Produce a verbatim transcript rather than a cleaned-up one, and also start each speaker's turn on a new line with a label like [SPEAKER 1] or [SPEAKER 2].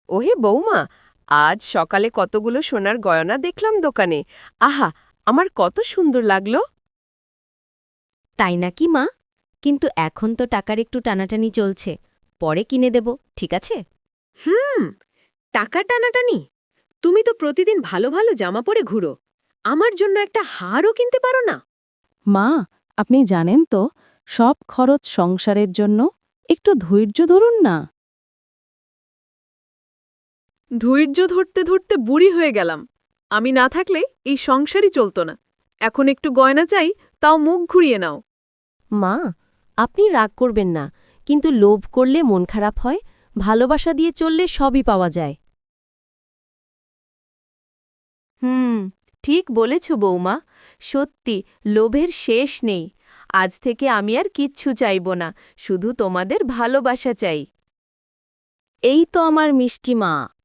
[SPEAKER 1] ওহে বৌমা, আজ সকালে কতগুলো সোনার গয়না দেখলাম দোকানে। আহা, আমার কত সুন্দর লাগলো।
[SPEAKER 2] তাই নাকি মা? কিন্তু এখন তো টাকার একটু টানাটানি চলছে, পরে কিনে দেব, ঠিক আছে?
[SPEAKER 3] হুম, টাকা টানাটানি? তুমি তো প্রতিদিন ভালো ভালো জামা পরে ঘুরো। আমার জন্য একটা হারও কিনতে পারো না?
[SPEAKER 4] মা, আপনি জানেন তো সব খরচ সংসারের জন্য। একটু ধৈর্য ধরুন না।
[SPEAKER 5] ধৈর্য ধরতে ধরতে বুড়ি হয়ে গেলাম। আমি না থাকলে এই সংসারই চলত না। এখন একটু গয়না চাই, তাও মুখ ঘুরিয়ে নাও।
[SPEAKER 2] মা, আপনি রাগ করবেন না, কিন্তু লোভ করলে মন খারাপ হয়, ভালোবাসা দিয়ে চললে সবই পাওয়া যায়। হুম, ঠিক বলেছ বৌমা। সত্যি, লোভের শেষ নেই। আজ থেকে আমি আর কিচ্ছু চাইব না, শুধু তোমাদের ভালোবাসা চাই।
[SPEAKER 4] এই তো আমার মিষ্টি মা।